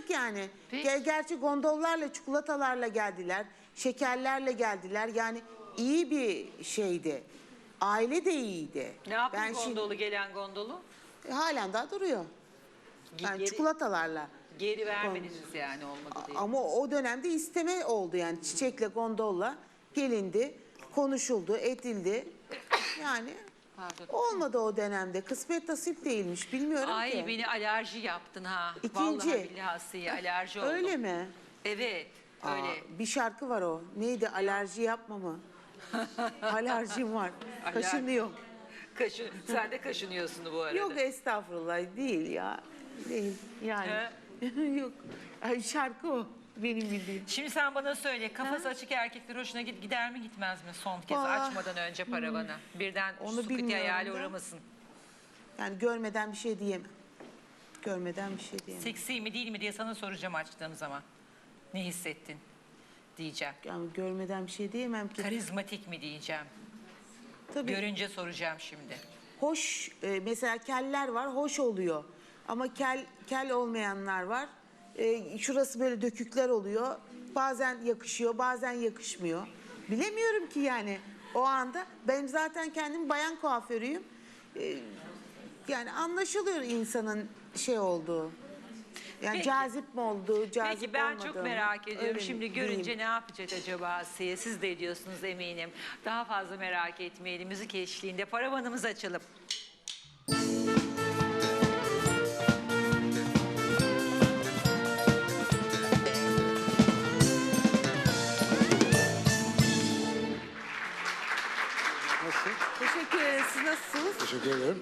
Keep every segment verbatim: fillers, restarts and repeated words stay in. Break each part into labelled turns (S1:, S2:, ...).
S1: kalabalık yani. Ger gerçi gondollarla, çikolatalarla geldiler, şekerlerle geldiler. Yani iyi bir şeydi. Aile de iyiydi.
S2: Ne yaptın
S1: ben
S2: gondolu,
S1: şimdi,
S2: gelen gondolu?
S1: e, halen daha duruyor. Yani
S2: Geri,
S1: çikolatalarla.
S2: geri vermediniz yani, olmadı diye.
S1: Ama o dönemde isteme oldu yani, çiçekle, gondolla gelindi, konuşuldu, edildi. Yani
S2: Pardon.
S1: olmadı o dönemde. Kısmet nasip değilmiş, bilmiyorum
S2: Ay,
S1: ki.
S2: Ay beni alerji yaptın ha.
S1: İkinci.
S2: Vallahi billahi alerji oldum.
S1: Öyle mi?
S2: Evet, öyle.
S1: Aa, bir şarkı var o. Neydi? Alerji yapma mı? Alerjim var.
S2: Aler-
S1: Kaşınıyor.
S2: Kaşı, sen de kaşınıyorsun bu arada.
S1: Yok estağfurullah, değil ya. Değil yani. Yok. Ay, şarkı o. Benim bildiğim.
S2: Şimdi sen bana söyle, kafası açık erkekler hoşuna git, gider mi gitmez mi son kez,
S1: Aa,
S2: açmadan önce paravanı? Birden
S1: Onu
S2: sıkıntı
S1: bilmiyorum
S2: hayali
S1: da.
S2: uğramasın.
S1: Yani görmeden bir şey diyemem. Görmeden bir şey diyemem.
S2: Seksi mi değil mi diye sana soracağım açtığım zaman. Ne hissettin diyeceğim.
S1: Yani görmeden bir şey diyemem ki.
S2: Karizmatik mi diyeceğim.
S1: Tabii.
S2: Görünce soracağım şimdi.
S1: Hoş, e, mesela keller var, hoş oluyor. Ama kel kel olmayanlar var. E, şurası böyle dökükler oluyor. Bazen yakışıyor, bazen yakışmıyor. Bilemiyorum ki yani o anda. Ben zaten kendim bayan kuaförüyüm. E, yani anlaşılıyor insanın şey olduğu. Yani
S2: Peki.
S1: cazip mi olduğu, cazip
S2: Peki ben
S1: olmadığı
S2: çok
S1: mı?
S2: merak ediyorum.
S1: Öyle
S2: Şimdi
S1: mi?
S2: görünce
S1: Diyeyim.
S2: ne yapacak acaba Asiye? Siz de ediyorsunuz eminim. Daha fazla merak etmeyelim. Müzik eşliğinde paravanımızı açalım.
S3: Nasıl?
S1: Teşekkür ederiz. Siz nasılsınız?
S3: Teşekkür ederim.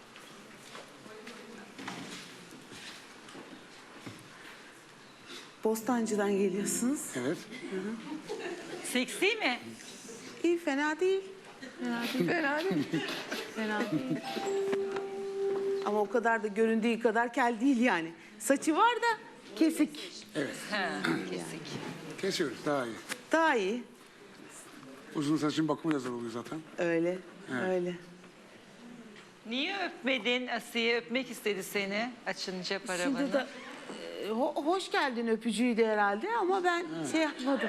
S1: Bostancı'dan geliyorsunuz.
S3: Evet.
S2: Seksi mi?
S1: İyi, fena değil. Fena değil. Fena değil. Fena değil. Ama o kadar da göründüğü kadar kel değil yani. Saçı var da kesik.
S3: Evet.
S2: Ha, kesik.
S3: Kesiyoruz daha iyi.
S1: Daha iyi.
S3: Uzun saçın bakımı da zor oluyor zaten.
S1: Öyle.
S3: Evet.
S1: Öyle.
S2: Niye öpmedin Asiye? Öpmek istedi seni açınca paravanı.
S1: Şimdi de e, ho- hoş geldin öpücüğüydü herhalde ama ben şey yapmadım.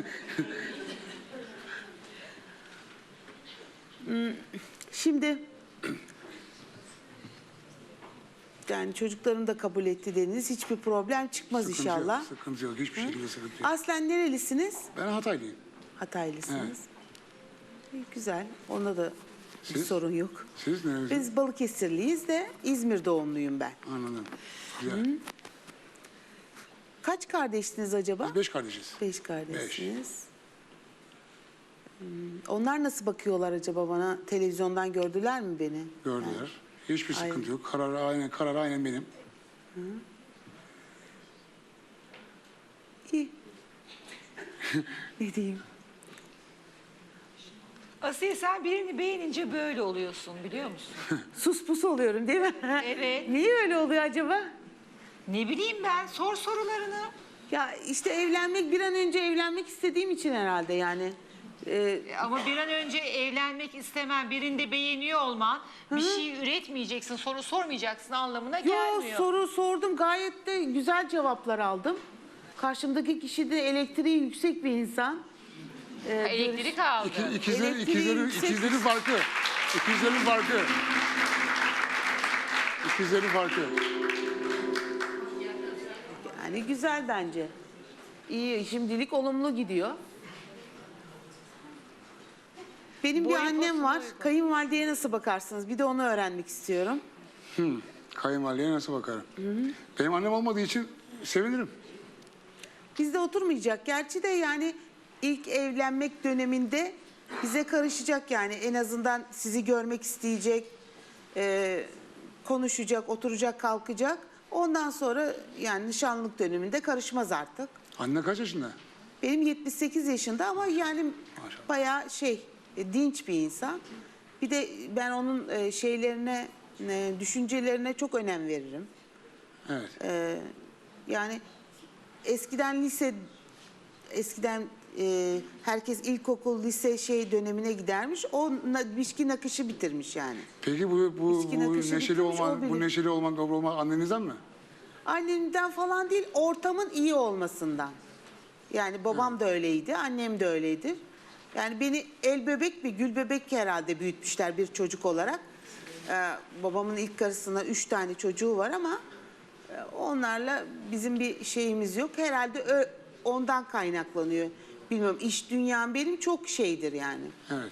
S1: Hmm, Şimdi yani çocukların da kabul etti dediniz. Hiçbir problem çıkmaz
S3: Sıkıntı
S1: inşallah.
S3: Yok, sıkıntı yok. Hiçbir şekilde sıkıntı yok.
S1: Aslen nerelisiniz?
S3: Ben Hataylıyım.
S1: Hataylısınız. İyi, güzel. Onda da bir
S3: Siz?
S1: sorun yok.
S3: Siz nerelisiniz?
S1: Biz Balıkesirliyiz de İzmir doğumluyum ben.
S3: Anladım. Güzel.
S1: Kaç kardeşsiniz acaba?
S3: Biz beş kardeşiz.
S1: Beş kardeşsiniz. Hmm, Onlar nasıl bakıyorlar acaba bana? Televizyondan gördüler mi beni?
S3: Gördüler. Hiçbir
S1: Aynen.
S3: sıkıntı yok. Karar aynen, karar aynen benim.
S1: İyi. Ne diyeyim?
S2: Asiye, sen birini beğenince böyle oluyorsun, biliyor musun?
S1: Sus pus oluyorum değil mi?
S2: Evet.
S1: Niye öyle oluyor acaba?
S2: Ne bileyim ben, sor sorularını.
S1: Ya işte evlenmek, bir an önce evlenmek istediğim için herhalde yani. Ee,
S2: Ama bir an önce evlenmek istemen, birinde beğeniyor olman, bir şey üretmeyeceksin, soru sormayacaksın anlamına
S1: Yo,
S2: gelmiyor.
S1: soru sordum, gayet de güzel cevaplar aldım. Karşımdaki kişi de elektriği yüksek bir insan. Ee,
S2: Ha, elektrik aldı.
S3: İki, ikizlerin,
S1: Elektriği
S3: ikizlerin,
S1: yüksek.
S3: ikizlerin farkı. İkizlerin farkı. İkizlerin farkı.
S1: Yani güzel bence. İyi, şimdilik olumlu gidiyor. Benim bir
S2: Boyu
S1: annem
S2: posuna
S1: var.
S2: uygun.
S1: Kayınvalideye nasıl bakarsınız? Bir de onu öğrenmek istiyorum.
S3: Hmm. Kayınvalideye nasıl bakarım? Benim annem olmadığı için sevinirim.
S1: Bizde oturmayacak. Gerçi de yani ilk evlenmek döneminde bize karışacak yani. En azından sizi görmek isteyecek, e, konuşacak, oturacak, kalkacak. Ondan sonra yani nişanlılık döneminde karışmaz artık.
S3: Anne kaç yaşında?
S1: Benim yetmiş sekiz yaşında ama yani
S3: Maşallah.
S1: bayağı şey, e, dinç bir insan. Bir de ben onun e, şeylerine, e, düşüncelerine çok önem veririm.
S3: Evet.
S1: E, yani eskiden lise, eskiden e, herkes ilkokul, lise şey dönemine gidermiş. O na, biçki nakışı bitirmiş yani.
S3: Peki bu bu,
S1: İçki
S3: bu
S1: nakışı
S3: neşeli
S1: bitirmiş, o
S3: olman, bu
S1: bilir.
S3: neşeli olman, dobro olman annenizden mi?
S1: Annemden falan değil, ortamın iyi olmasından. Yani babam da öyleydi, annem de öyledir. Yani beni el bebek bir gül bebek herhalde büyütmüşler bir çocuk olarak. Ee, babamın ilk karısına üç tane çocuğu var ama e, onlarla bizim bir şeyimiz yok. Herhalde ö- ondan kaynaklanıyor. Bilmiyorum, iş dünyam benim çok şeydir yani.
S3: Evet.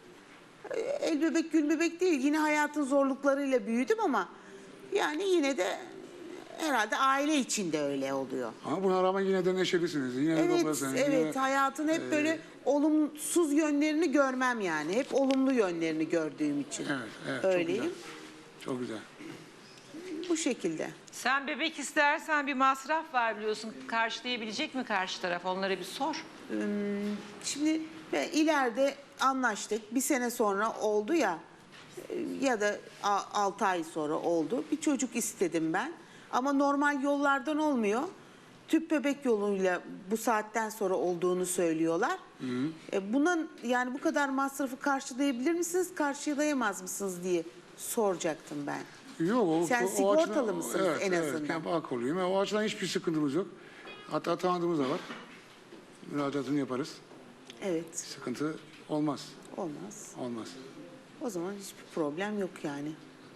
S1: El bebek gül bebek değil, yine hayatın zorluklarıyla büyüdüm ama yani yine de herhalde aile içinde öyle oluyor.
S3: Ama buna rağmen yine de neşelisiniz. Yine de
S1: Evet,
S3: toplasınız.
S1: evet.
S3: Yine...
S1: Hayatın hep böyle olumsuz yönlerini görmem yani. Hep olumlu yönlerini gördüğüm için.
S3: Evet, evet.
S1: Öyleyim.
S3: Çok güzel. Çok güzel.
S1: Bu şekilde.
S2: Sen bebek istersen bir masraf var biliyorsun. Karşılayabilecek mi karşı taraf? Onlara bir sor.
S1: Şimdi ve ileride anlaştık. Bir sene sonra oldu ya e, ya da altı ay sonra oldu. Bir çocuk istedim ben. Ama normal yollardan olmuyor. Tüp bebek yoluyla bu saatten sonra olduğunu söylüyorlar. E, bunun yani bu kadar masrafı karşılayabilir misiniz, karşılayamaz mısınız diye soracaktım ben.
S3: Yok, o,
S1: Sen
S3: o
S1: sigortalı
S3: açıdan-
S1: mısınız
S3: evet,
S1: en
S3: evet,
S1: azından?
S3: Evet, Akoluyum. O açıdan hiçbir sıkıntımız yok. Hatta tanıdığımız da var. Müracaatını yaparız.
S1: Evet,
S3: Sıkıntı olmaz.
S1: olmaz.
S3: Olmaz.
S1: O zaman hiçbir problem yok yani.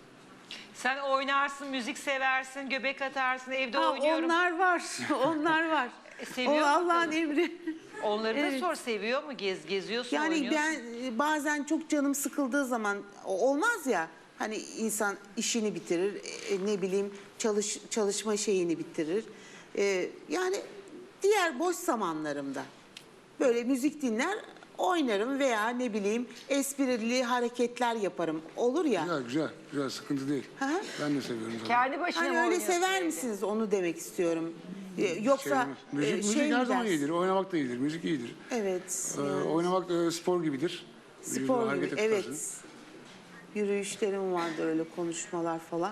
S2: Sen oynarsın, müzik seversin, göbek atarsın, evde
S1: Ha,
S2: oynuyorum.
S1: onlar var, onlar var.
S2: E, seviyor
S1: O
S2: mu
S1: Allah'ın
S2: kızım?
S1: emri.
S2: Onları da
S1: Evet.
S2: sor, seviyor mu? Gez, geziyorsun,
S1: Yani
S2: oynuyorsun.
S1: ben e, bazen çok canım sıkıldığı zaman o- olmaz ya. Hani insan işini bitirir, e, ne bileyim çalış çalışma şeyini bitirir. E, yani diğer boş zamanlarımda böyle müzik dinler, oynarım veya ne bileyim esprili hareketler yaparım. Olur ya.
S3: Güzel, güzel. Güzel, sıkıntı değil.
S1: Hı hı.
S3: Ben de seviyorum zaten.
S2: Kendi başına
S1: Hani
S2: mı
S1: öyle
S2: oynuyorsun
S1: sever
S2: evde?
S1: misiniz, onu demek istiyorum. E, Yoksa
S3: Sevmez. müzik,
S1: e,
S3: müzik
S1: şey
S3: her
S1: mi
S3: zaman
S1: dersin?
S3: iyidir. Oynamak da iyidir. Müzik iyidir.
S1: Evet.
S3: Ee,
S1: yani.
S3: oynamak da spor gibidir. Vücudunu
S1: Spor gibi,
S3: harekete
S1: evet.
S3: tutarsın.
S1: Yürüyüşlerim vardı, öyle konuşmalar falan.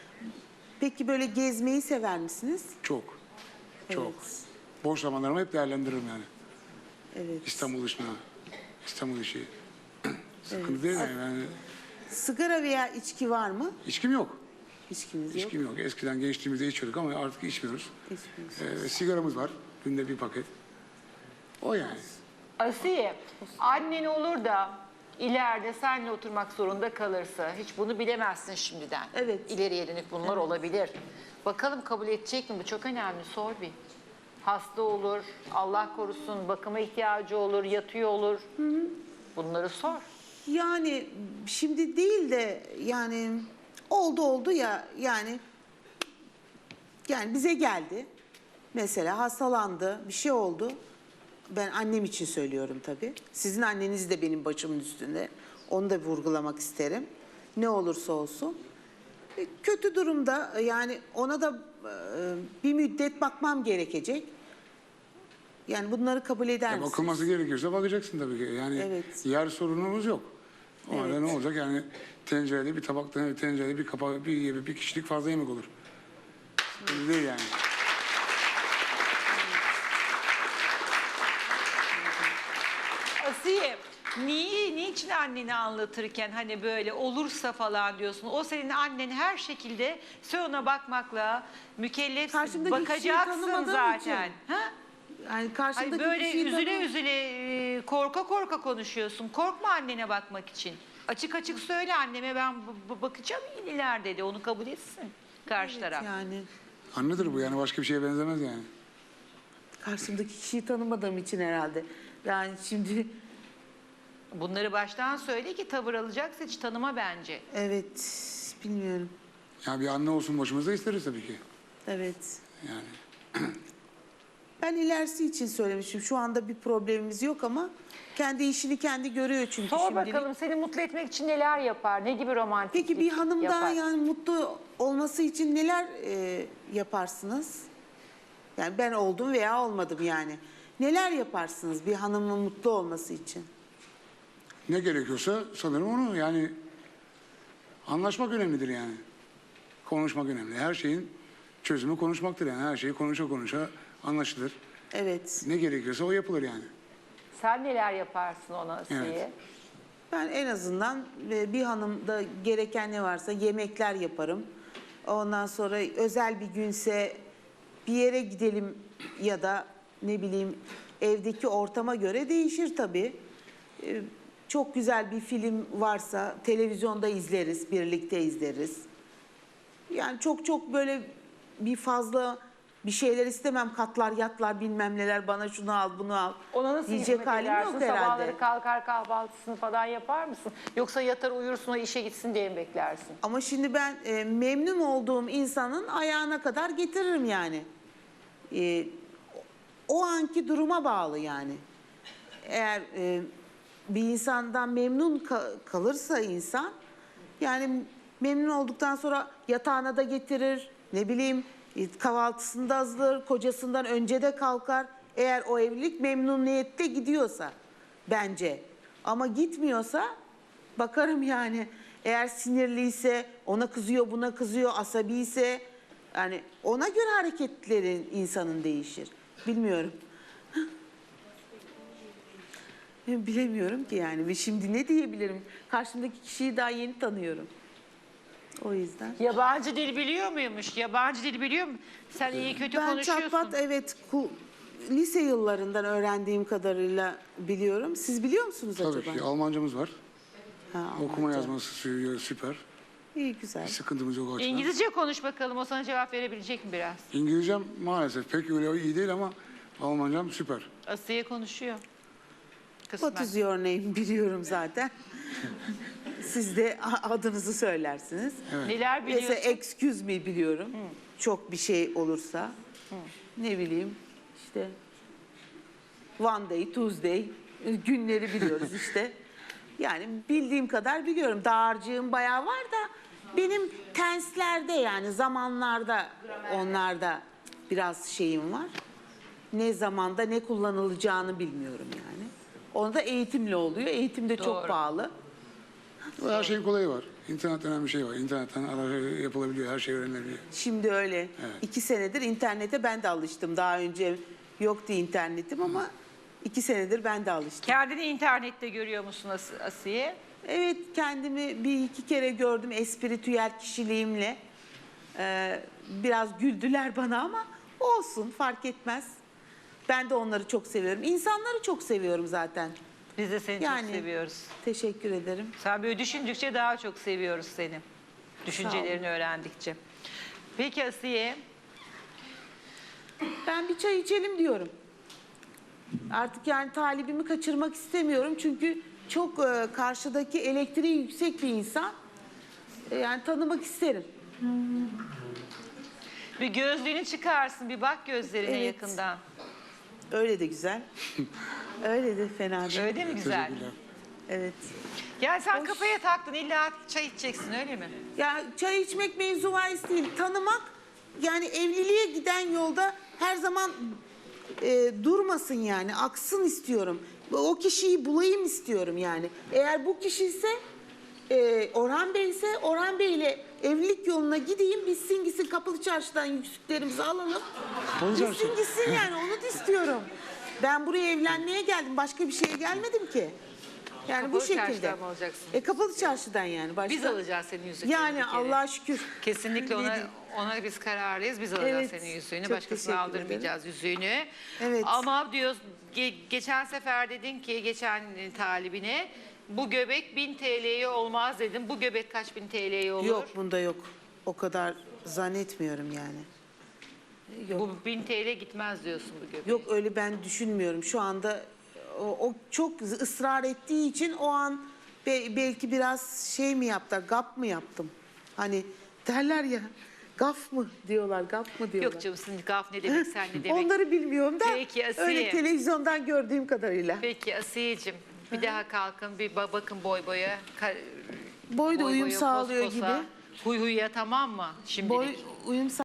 S1: Peki böyle gezmeyi sever misiniz?
S3: Çok. Çok.
S1: Evet.
S3: Boş zamanlarımı hep değerlendiririm yani.
S1: Evet.
S3: İstanbul dışına, İstanbul işi. Sıkıntı değil yani. yani.
S1: Sigara veya içki var mı?
S3: İçkim yok.
S1: İçkiniz yok.
S3: İçkim yok. Eskiden gençliğimizde içiyorduk ama artık içmiyoruz.
S1: İçmiyorsunuz.
S3: Ee, sigaramız var. Günde bir paket. O yani.
S2: Asiye, annen olur da ileride seninle oturmak zorunda kalırsa hiç bunu bilemezsin şimdiden.
S1: Evet.
S2: İleriye dönük bunlar olabilir. Bakalım kabul edecek mi? Bu çok önemli. Sor bir. Hasta olur, Allah korusun, bakıma ihtiyacı olur, yatıyor olur. Bunları sor.
S1: Yani şimdi değil de yani oldu oldu ya yani yani bize geldi. Mesela hastalandı, bir şey oldu. Ben annem için söylüyorum tabii. Sizin anneniz de benim başımın üstünde. Onu da vurgulamak isterim. Ne olursa olsun. E, Kötü durumda yani ona da e, bir müddet bakmam gerekecek. Yani bunları kabul eder
S3: Ya
S1: misiniz?
S3: bakılması gerekiyorsa bakacaksın tabii ki. Yani
S1: Evet.
S3: yer sorunumuz yok. O halde
S1: Evet.
S3: ne olacak yani tencerede bir tabakta bir tencerede bir kapak bir yemek bir kişilik fazla yemek olur. Sıkıntı değil yani.
S2: Asiye, niye, niçin anneni anlatırken hani böyle olursa falan diyorsun? O senin annen her şekilde sen ona bakmakla mükellefsin.
S1: Karşımdaki kişiyi
S2: Bakacaksın
S1: tanımadığım
S2: zaten.
S1: için.
S2: Ha?
S1: Yani
S2: Ay
S1: karşımdaki
S2: böyle
S1: kişiyi
S2: üzüle
S1: tanı-
S2: üzüle e, korka korka konuşuyorsun. Korkma annene bakmak için. Açık açık söyle anneme ben b- b- bakacağım iyiler dedi. Onu kabul etsin karşı taraf.
S1: Yani
S3: Annedir bu yani başka bir şeye benzemez yani.
S1: karşımdaki kişiyi tanımadığım için herhalde. Yani şimdi
S2: Bunları baştan söyle ki tavır alacaksa hiç tanıma bence.
S1: evet bilmiyorum.
S3: Ya bir anne olsun başımızda isteriz tabii ki.
S1: Evet.
S3: Yani
S1: Ben ilerisi için söylemişim. Şu anda bir problemimiz yok ama kendi işini kendi görüyor çünkü
S2: Sor
S1: şimdilik.
S2: bakalım seni mutlu etmek için neler yapar? Ne gibi romantiklik
S1: Peki bir hanım
S2: yapar?
S1: daha yani mutlu olması için neler e, yaparsınız? Yani ben oldum veya olmadım yani. Neler yaparsınız bir hanımın mutlu olması için?
S3: ne gerekiyorsa sanırım onu yani anlaşmak önemlidir yani. Konuşmak önemli. Her şeyin çözümü konuşmaktır yani. Her şeyi konuşa konuşa anlaşılır.
S1: Evet.
S3: Ne gerekiyorsa o yapılır yani.
S2: Sen neler yaparsın ona Asiye?
S3: Evet.
S1: Ben en azından e, bir hanımda gereken ne varsa yemekler yaparım. Ondan sonra özel bir günse bir yere gidelim ya da ne bileyim evdeki ortama göre değişir tabii. Ee, Çok güzel bir film varsa televizyonda izleriz, birlikte izleriz. Yani çok çok böyle bir fazla bir şeyler istemem. Katlar, yatlar, bilmem neler, bana şunu al, bunu al.
S2: Ona nasıl
S1: diyecek
S2: hizmet
S1: halim
S2: edersin?
S1: yok herhalde.
S2: Sabahları kalkar kahvaltısını falan yapar mısın? Yoksa yatar uyursun o işe gitsin diye mi beklersin?
S1: Ama şimdi ben e, memnun olduğum insanın ayağına kadar getiririm yani. E, o anki duruma bağlı yani. Eğer e, bir insandan memnun ka- kalırsa insan, yani memnun olduktan sonra yatağına da getirir, ne bileyim e, kahvaltısını da hazırlar, kocasından önce de kalkar. Eğer o evlilik memnuniyette gidiyorsa bence. Ama gitmiyorsa bakarım yani. Eğer sinirliyse, ona kızıyor, buna kızıyor, asabi ise yani ona göre hareketlerin insanın değişir. Bilmiyorum. Bilemiyorum ki yani. Ve şimdi ne diyebilirim? Karşımdaki kişiyi daha yeni tanıyorum. O yüzden.
S2: Yabancı dil biliyor muymuş? Yabancı dil biliyor mu? Sen iyi kötü
S1: Ben
S2: konuşuyorsun.
S1: çatpat evet ku- lise yıllarından öğrendiğim kadarıyla biliyorum. Siz biliyor musunuz
S3: Tabii
S1: acaba?
S3: ki Almancamız var.
S1: Ha,
S3: Okuma
S1: Almanca.
S3: yazması sü- süper.
S1: İyi güzel.
S3: Bir sıkıntımız yok o açıdan.
S2: İngilizce konuş bakalım. O sana cevap verebilecek mi biraz?
S3: İngilizcem maalesef pek öyle iyi değil ama Almancam süper.
S2: Asiye konuşuyor. Kısmen.
S1: What is your name biliyorum zaten. Siz de a- adınızı söylersiniz.
S2: Neler biliyorsun?
S1: Mesela excuse me biliyorum. Çok bir şey olursa. Ne bileyim işte one day, Tuesday günleri biliyoruz işte. Yani bildiğim kadar biliyorum. Dağarcığım bayağı var da benim tenslerde yani zamanlarda onlarda biraz şeyim var. Ne zamanda ne kullanılacağını bilmiyorum yani. Onu da eğitimle oluyor. Eğitim de çok
S2: Doğru.
S1: pahalı.
S3: Her şeyin kolayı var. İnternet denen bir şey var. İnternetten ara yapılabiliyor, her şey öğrenilebiliyor.
S1: Şimdi öyle.
S3: Evet.
S1: İki senedir internete ben de alıştım. Daha önce yoktu internetim ama iki senedir ben de alıştım.
S2: Kendini internette görüyor musun As- Asiye?
S1: Evet, kendimi bir iki kere gördüm espritüel kişiliğimle. Ee, biraz güldüler bana ama olsun, fark etmez. Ben de onları çok seviyorum. İnsanları çok seviyorum zaten.
S2: Biz de seni
S1: Yani.
S2: çok seviyoruz.
S1: Teşekkür ederim.
S2: Sen böyle düşündükçe daha çok seviyoruz seni. Düşüncelerini öğrendikçe. Peki Asiye,
S1: Ben bir çay içelim diyorum. Artık yani talibimi kaçırmak istemiyorum. Çünkü çok e, karşıdaki elektriği yüksek bir insan. E, yani tanımak isterim.
S2: bir gözlüğünü çıkarsın, bir bak gözlerine
S1: Evet.
S2: yakından.
S1: Öyle de güzel. Öyle de fena değil.
S2: Öyle mi güzel?
S3: Teşekkürler.
S1: Evet.
S2: Yani sen kafaya taktın, illa çay içeceksin öyle mi?
S1: Ya çay içmek mevzu bahis değil. Tanımak yani evliliğe giden yolda her zaman e, durmasın yani. Aksın istiyorum. O kişiyi bulayım istiyorum yani. Eğer bu kişi ise e, Orhan Bey ise Orhan Bey ile evlilik yoluna gideyim. Bitsin gitsin Kapalı Çarşı'dan yüzüklerimizi alalım.
S3: Kapalı Çarşı.
S1: Bitsin gitsin yani onu da istiyorum. Ben buraya evlenmeye geldim. Başka bir şeye gelmedim ki. Yani
S2: Kapalı
S1: bu şekilde.
S2: Çarşı'dan mı alacaksın?
S1: E, Kapalı Çarşı'dan yani. Başka...
S2: Biz alacağız senin yüzüklerini.
S1: Yani
S2: bir kere.
S1: Allah'a şükür.
S2: Kesinlikle ona
S1: Dedim.
S2: ona biz kararlıyız. Biz alacağız
S1: Evet,
S2: senin yüzüğünü.
S1: çok
S2: Başkasına
S1: teşekkür
S2: aldırmayacağız yüzüğünü.
S1: Evet.
S2: Ama diyoruz ge- geçen sefer dedin ki geçen e, talibine bu göbek bin T L'ye olmaz dedim. Bu göbek kaç bin T L'ye olur?
S1: Yok bunda yok. O kadar zannetmiyorum yani. Yok.
S2: Bu bin T L gitmez diyorsun bu göbeğe.
S1: Yok öyle ben düşünmüyorum. Şu anda o, o çok ısrar ettiği için o an be- belki biraz şey mi yaptı, gap mı yaptım? Hani derler ya gaf mı diyorlar, gaf mı diyorlar.
S2: Yok canım sizin gaf ne demek sen ne demek.
S1: Onları bilmiyorum da
S2: Peki, Asiye.
S1: öyle televizyondan gördüğüm kadarıyla.
S2: Peki Asiye'cim bir daha kalkın bir ba- bakın boy boya. Ka-
S1: Boy da uyum
S2: boya,
S1: sağlıyor
S2: pos posa.
S1: gibi.
S2: Huy huya tamam mı şimdilik?
S1: Boy uyum